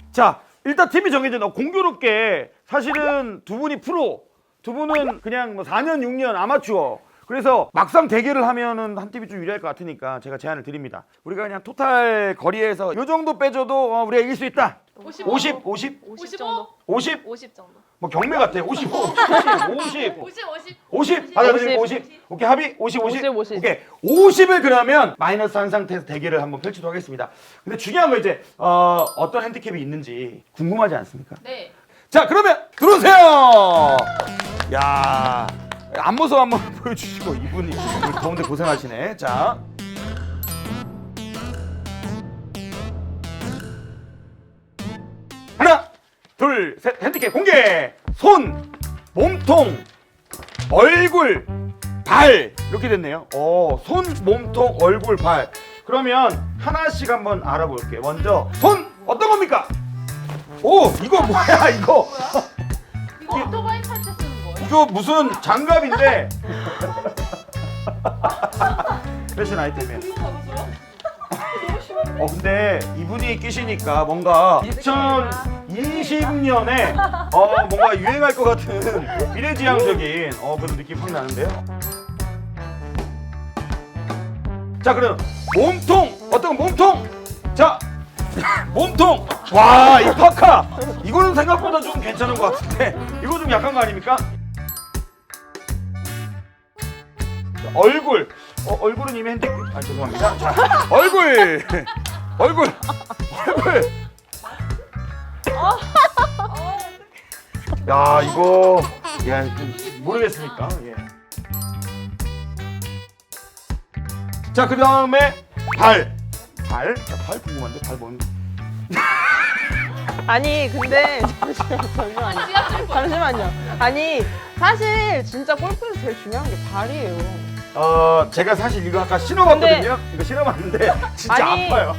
자, 일단 팀이 정해졌나 공교롭게 사실은 두 분이 프로, 두 분은 그냥 뭐 4년, 6년 아마추어. 그래서 막상 대결을 하면은 한 팀이 좀 유리할 것 같으니까 제가 제안을 드립니다. 우리가 그냥 토탈 거리에서 요 정도 빼줘도 우리가 이길 수 있다. 50? 50 정도. 50? 50 정도. 뭐 경매 같아. 55, 70, 50. 50. 받아들이고 50. 오케이, 합의? 50. 오케이. 50을 그러면 마이너스 한 상태에서 대결을 한번 펼치도록 하겠습니다. 근데 중요한 건 이제 어떤 핸디캡이 있는지 궁금하지 않습니까? 네. 자, 그러면 들어오세요. 야, 앞모습 한번 보여주시고 이분이 더운데 고생하시네. 자. 하나, 둘, 셋, 핸디캡 공개! 손, 몸통, 얼굴, 발 이렇게 됐네요. 손, 몸통, 얼굴, 발. 그러면 하나씩 한번 알아볼게요. 먼저 손 어떤 겁니까? 오, 이거 뭐야 이거? 이거 오토바이 탈 때 쓰는 거예요? 이거 무슨 장갑인데? 패션 아이템이에요. 근데 이분이 끼시니까 뭔가 2020년에 뭔가 유행할 것 같은 미래지향적인 그런 느낌 확 나는데요. 자, 그럼 몸통 어떤 몸통? 자, 몸통. 와, 이 파카 이거는 생각보다 좀 괜찮은 것 같은데 이거 좀 약한 거 아닙니까? 자, 얼굴. 얼굴은 이미 핸디. 죄송합니다. 자, 얼굴. 야, 이거 좀 모르겠으니까. 예. 자, 그 다음에 발. 자, 발 궁금한데 발 뭔? 아니 근데 잠시만요. 아니 사실 진짜 골프에서 제일 중요한 게 발이에요. 제가 사실 이거 아까 신어봤거든요. 이거 신어봤는데 진짜 아니. 아파요.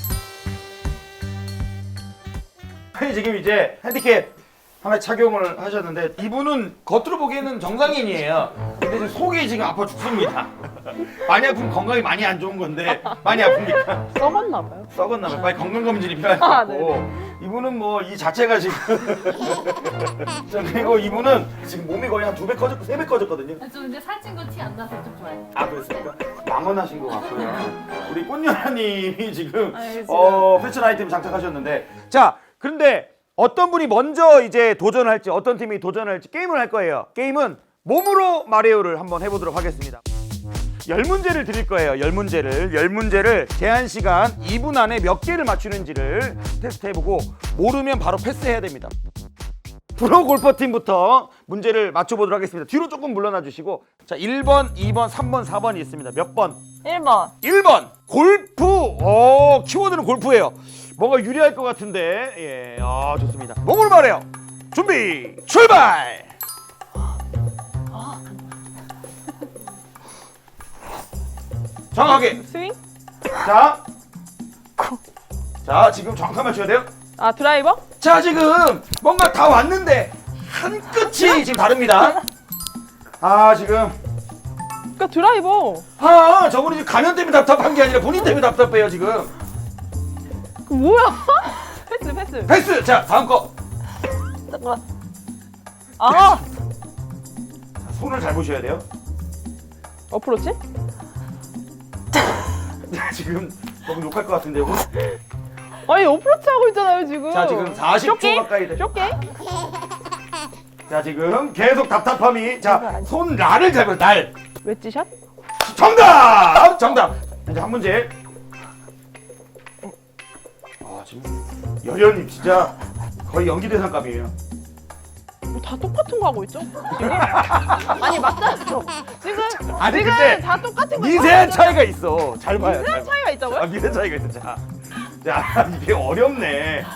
아니, 지금 이제 핸디캡 하나 착용을 하셨는데 이분은 겉으로 보기에는 정상인이에요. 근데 지금 속이 지금 아파 죽습니다. 많이 아프면 건강이 많이 안 좋은 건데 많이 아픕니까? 썩었나 봐요. 썩었나 봐요. 빨리 건강검진이 필요할 것 같고 이분은 뭐 이 자체가 지금 자, 그리고 이분은 지금 몸이 거의 한 2배 커졌고 3배 커졌거든요. 저 근데 살찐 거 티 안 나서 좀 좋아요. 아, 그렇습니까? 망언하신 것 같고요. 우리 꽃녀라님이 지금 패션 아이템 장착하셨는데 자, 그런데 어떤 분이 먼저 이제 도전할지 어떤 팀이 도전할지 게임을 할 거예요. 게임은 몸으로 말해요를 한번 해보도록 하겠습니다. 10문제를 드릴 거예요. 10문제를 제한 시간 2분 안에 몇 개를 맞추는지를 테스트해보고 모르면 바로 패스해야 됩니다. 프로 골퍼팀부터 문제를 맞춰보도록 하겠습니다. 뒤로 조금 물러나 주시고 자, 1번, 2번, 3번, 4번이 있습니다. 몇 번? 1번. 1번 골프. 키워드는 골프예요. 뭔가 유리할 것 같은데. 예, 좋습니다. 몸으로 말해요. 준비 출발. 정확하게. 스윙? 자, 지금 정확하게 맞춰야 돼요. 아 드라이버? 자, 지금 뭔가 다 왔는데 한 끝이 지금 다릅니다. 지금 그러니까 드라이버. 저분이 지금 가면 때문에 답답한 게 아니라 본인 때문에 답답해요 지금. 그 뭐야? 패스. 패스. 자, 다음 거. 잠깐만. 아 손을 잘 보셔야 돼요. 어프로치? 지금 너무 욕할 것 같은데요. 아니 어프로치 하고 있잖아요 지금. 자, 지금 40초 쇼게임? 가까이 돼. 쇼게임? 자, 지금 계속 답답함이. 자, 손 날을 잡아요. 날. 웨지샷? 정답. 이제 한 문제. 지금 여련님 진짜 거의 연기 대상감이에요. 다 똑같은 거 하고 있죠? 지금? 아니 맞잖아요. 지금 아니, 지금 근데 다 똑같은 거. 미세한 차이가 있어. 잘 봐요. 미세한 차이가 있다고요? 미세한 차이가 있어. 자, 이게 어렵네.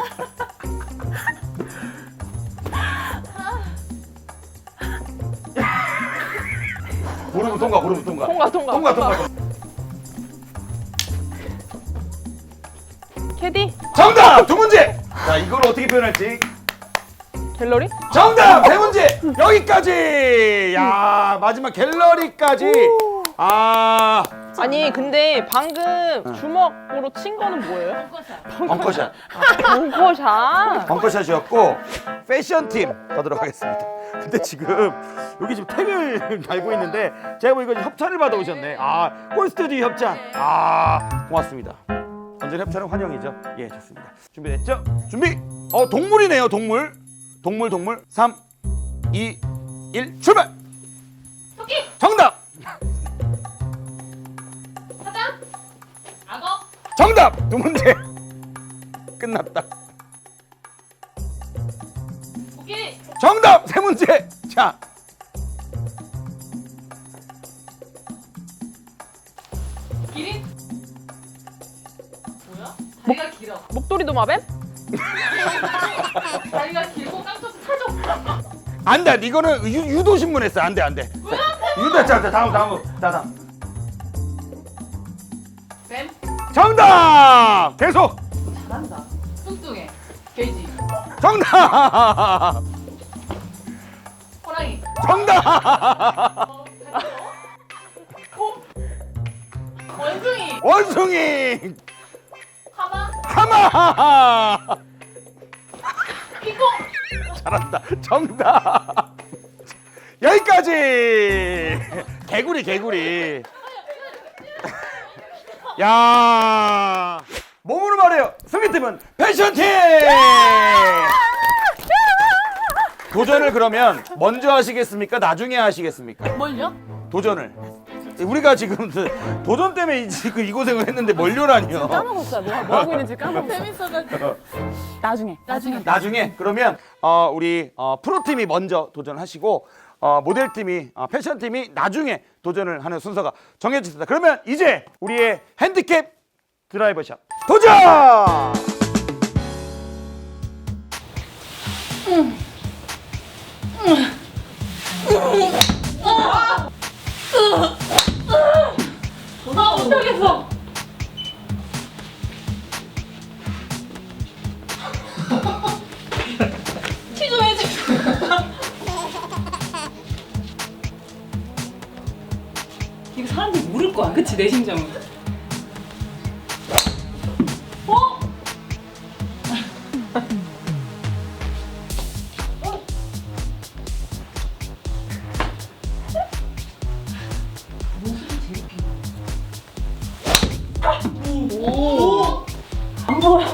고르면 통과. 통과. 캐디? 정답! 2문제! 자, 이걸 어떻게 표현할지. 갤러리? 정답! 3문제! 여기까지! 야, 마지막 갤러리까지. 아니 근데 방금 주먹으로 친 거는 뭐예요? 벙커샷. 벙커샷. 벙커샷이었고 패션팀 가도록 하겠습니다. 근데 지금 여기 지금 택을 달고 있는데 제가 보니까 협찬을 받아오셨네. 아, 꼴스튜디오 협찬. 아, 고맙습니다. 언제나 협찬은 환영이죠. 예, 좋습니다. 준비됐죠? 준비. 동물이네요. 동물. 동물. 3, 2, 1 출발. 토끼. 정답. 사자. 악어. 정답. 두 문제. 끝났다. 코끼리. 정답. 세 문제. 자. 기린. 뭐야? 다리가 길어. 목도리 도마뱀? 다리가 길고 깡통 사줘. 안 돼. 이거는 유도 신문했어. 안 돼. 유도. 자, 다음. 뱀. 정답. 계속. 잘한다. 뚱뚱해. 돼지. 정답. 호랑이. 정답. 코. 원숭이. 원숭이. 하마. 하마. 핑퐁. 잘한다. 정답. 여기까지. 개구리. 야. 몸으로 말해요. 승리팀은 패션팀. 도전을 그러면 먼저 하시겠습니까? 나중에 하시겠습니까? 뭘요? 도전을. 우리가 지금 도전 때문에 이 고생을 했는데 뭘요라니요. 까먹었어요. 뭐 하고 있는지 까먹었어요. 재밌어가지고. 나중에. 나중에 그러면 우리 프로팀이 먼저 도전하시고 모델팀이 패션팀이 나중에 도전을 하는 순서가 정해졌습니다. 그러면 이제 우리의 핸디캡 드라이버샷 도전! 못하겠어. 취조해줘. 이거 사람들이 모를 거야, 그치? 내 심정은. 어? 안 보여.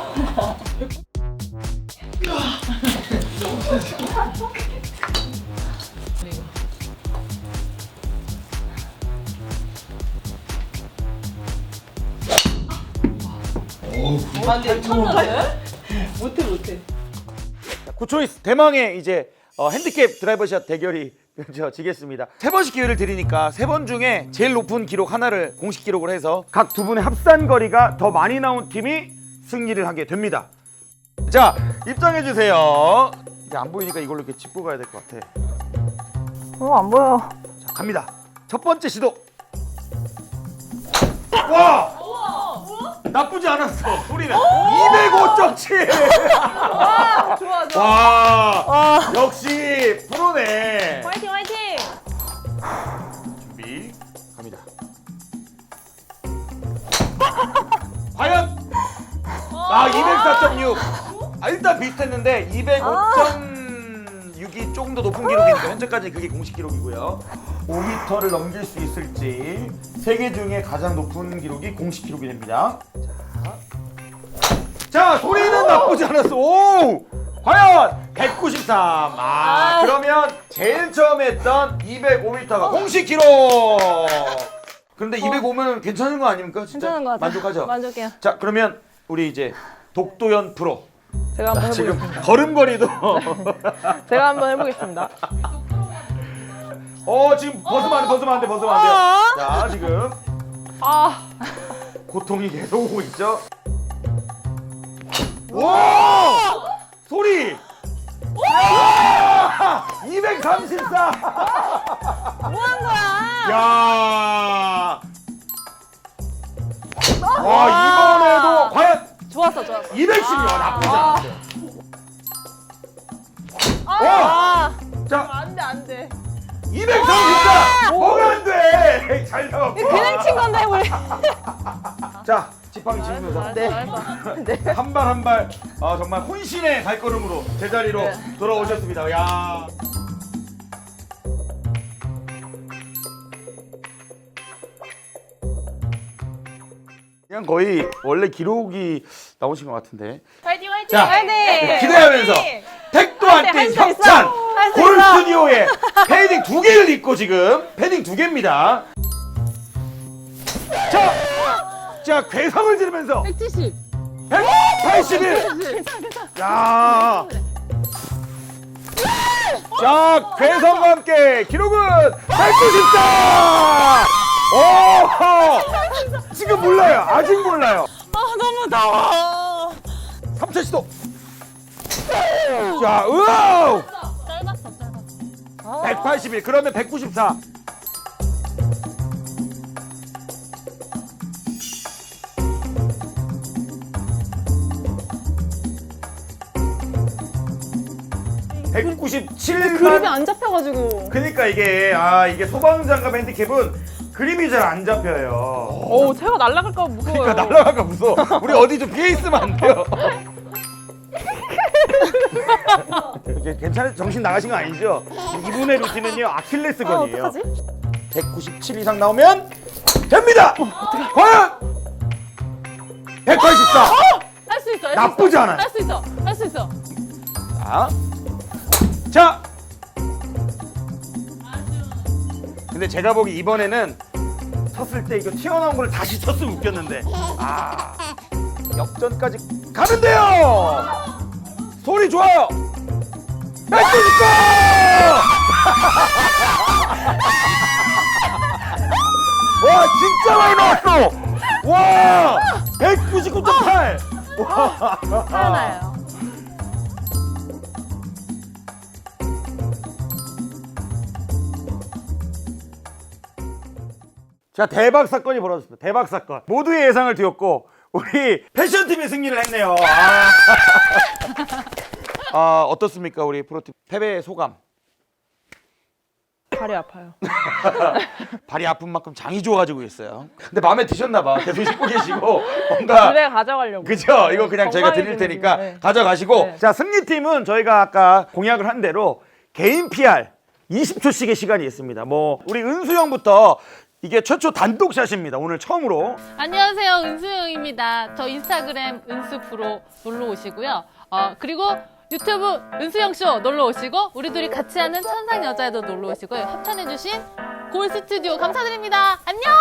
아, 근데 쳤는데? 못해. 구초이스 대망의 이제 핸디캡 드라이버샷 대결이 펼쳐지겠습니다. 세 번씩 기회를 드리니까 세 번 중에 제일 높은 기록 하나를 공식 기록을 해서 각 두 분의 합산 거리가 더 많이 나온 팀이 승리를 하게 됩니다. 자, 입장해 주세요. 이게 안 보이니까 이걸로 이렇게 짚고 가야 될 것 같아. 안 보여. 자, 갑니다. 첫 번째 시도. 와! 나쁘지 않았어. 소리는 205.7. 좋아. 와! 역시 프로네. 화이팅. 준비 갑니다. 과연 204.6. 일단 비슷했는데 205.6이 조금 더 높은 기록이니까 현재까지 그게 공식 기록이고요. 5m를 넘길 수 있을지 세 개 중에 가장 높은 기록이 공식 기록이 됩니다. 자, 소리는 나쁘지 않았어. 오! 과연 193. 그러면 제일 처음 했던 205m가 공식 기록. 그런데 205면 괜찮은 거 아닙니까? 진짜 괜찮은 것 같아요. 만족하죠? 만족해요. 자, 그러면 우리 이제 독도연 프로. 제가 한번 지금 해보겠습니다. 걸음걸이도 제가 한번 해보겠습니다. 지금 벗으면 안 돼. 자, 지금 고통이 계속 오고 있죠. 와! 소리! 234! 뭐 한 거야? 야! 와, 이번에도 과연 좋았어. 210이요. 나쁘지 않았어요. 자, 안 돼. 234! 뭐가 안 돼? 오케이 잘 잡았고. 그냥 친 건데 우리. 자 지팡이 짚으면서 네. 한 발 한 발 정말 혼신의 발걸음으로 제자리로 돌아오셨습니다. 야. 그냥 거의 원래 기록이 나오신 것 같은데. 화이팅 화이팅. 자, 화이팅! 기대하면서 택도 안 뛴 할수 있어! 협찬 할수 골 있어! 스튜디오에 패딩 2개를 입고 지금 패딩 2개입니다. 자 괴성을 지르면서 170. 181. 야. 자 괴성과 함께 기록은 194. 오 지금 몰라요. 아직 몰라요. 너무 더워. 3차 시도. 자 으아. 짧았어. 181 그러면 194. 그림이 197만. 안 잡혀가지고. 그러니까 이게 이게 소방장갑 핸디캡은 그림이 잘 안 잡혀요. 오, 제가 날아갈까 봐 무서워요. 그러니까 날아갈까 무서워. 우리 어디 좀 피해 있으면 안 돼요. 이게 괜찮아요? 정신 나가신 거 아니죠? 이분의 루틴은요 아킬레스건이에요. 어떡하지? 197 이상 나오면 됩니다. 과연 184. 할 수 있어. 나쁘지 않아요. 할 수 있어. 할 수 있어. 자. 근데 제가 보기 이번에는 쳤을 때 이거 튀어나온 걸 다시 쳤으면 웃겼는데. 역전까지 가는데요. 소리 좋아요. 194. 와 진짜 많이 나왔어. 와 199.8. 하나요. 자 대박 사건이 벌어졌습니다. 대박 사건. 모두의 예상을 뒤엎고 우리 패션팀이 승리를 했네요. 어떻습니까 우리 프로팀 패배의 소감? 발이 아파요. 발이 아픈 만큼 장이 좋아지고 있어요. 근데 마음에 드셨나 봐. 계속 씹고 계시고 뭔가 집에 가져가려고. 그죠? 이거 그냥 저희가 드릴 건강해지는 테니까 네. 가져가시고. 네. 자 승리팀은 저희가 아까 공약을 한 대로 개인 PR 20초씩의 시간이 있습니다. 뭐 우리 은수 형부터 이게 최초 단독샷입니다. 오늘 처음으로. 안녕하세요. 은수영입니다. 저 인스타그램 은수프로 놀러 오시고요. 그리고 유튜브 은수영쇼 놀러 오시고 우리 둘이 같이 하는 천상 여자에도 놀러 오시고 협찬해주신 골 스튜디오 감사드립니다. 안녕.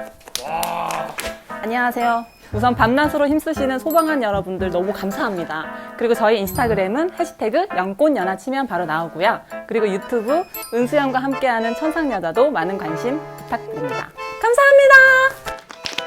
안녕하세요. 우선 밤낮으로 힘쓰시는 소방관 여러분들 너무 감사합니다. 그리고 저희 인스타그램은 해시태그 연꽃연화 치면 바로 나오고요. 그리고 유튜브 은수영과 함께하는 천상여자도 많은 관심 부탁드립니다. 감사합니다.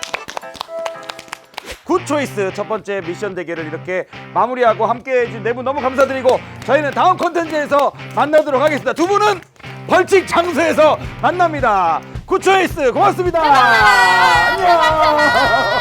굿 초이스 첫 번째 미션 대결을 이렇게 마무리하고 함께 해준 네 분 너무 감사드리고 저희는 다음 콘텐츠에서 만나도록 하겠습니다. 두 분은 벌칙 장소에서 만납니다. 굿 초이스 고맙습니다. 안녕.